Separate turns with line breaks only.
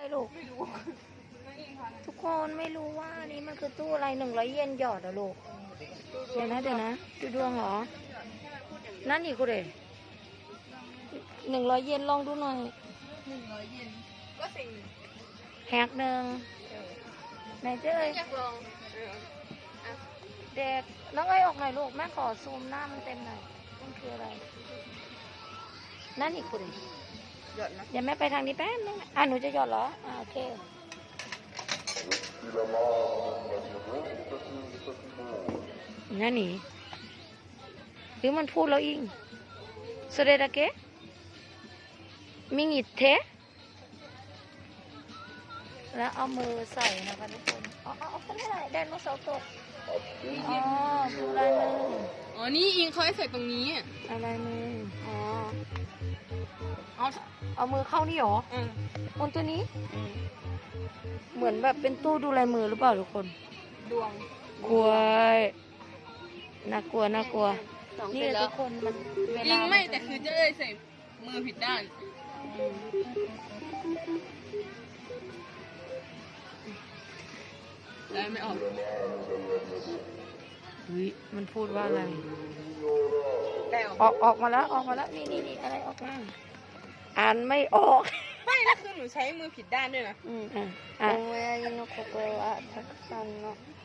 ลูกทุกคนไม่รู้ว่านี่มันคือตู้อะไร100 เยนหยอดอะลูกเดี๋ยวนะดูดวงเหรอนั่นอีกกูเลย100 เยนลองดูหน่อย
100 เยนก็สิ่ง
แฮกหนึ่งไหนเจ้ย
อยากลอง
เด็กน้องเอ้ยออกหน่อยลูกแม่ขอซูมหน้ามันเต็มหน่อยมันคืออะไรนั่นอีกกูเลย
หยดนะ
เดี๋ยวแม่ไปทางนี้แป๊บนึงหนูจะหยอดเหรอโอเคนั่นนี่หรือมันพูดแล้วอิงそれだけมิงิเทแล้วเอามือใส่นะคะทุกคนเอาไปได้ไดโนเสาร์ตกดูลายมือ
อ๋อนี่อิงเขาให้ใส่ตรงนี้
อะไรมือเอามือเข้านี่หรอบนตัวนี้เหมือนแบบเป็นตู้ดูลายมือหรือเปล่าทุกคน
ดวง
กลัวน่ากลัวนี่ทุกคนมันเวลา
อิงไม่แต่คือจะเลยใส่มือผิดด้านได้ไม่ออก
มันพูดว่าอะไร
ได้
ออกมาแล้วนี่อะไรออกมาอ่านไม่ออก
ไม่แล้วคือหนูใช้มือผิดด้านด้วยนะ
โอ้ยยินโนโคโกะทักซันเนาะ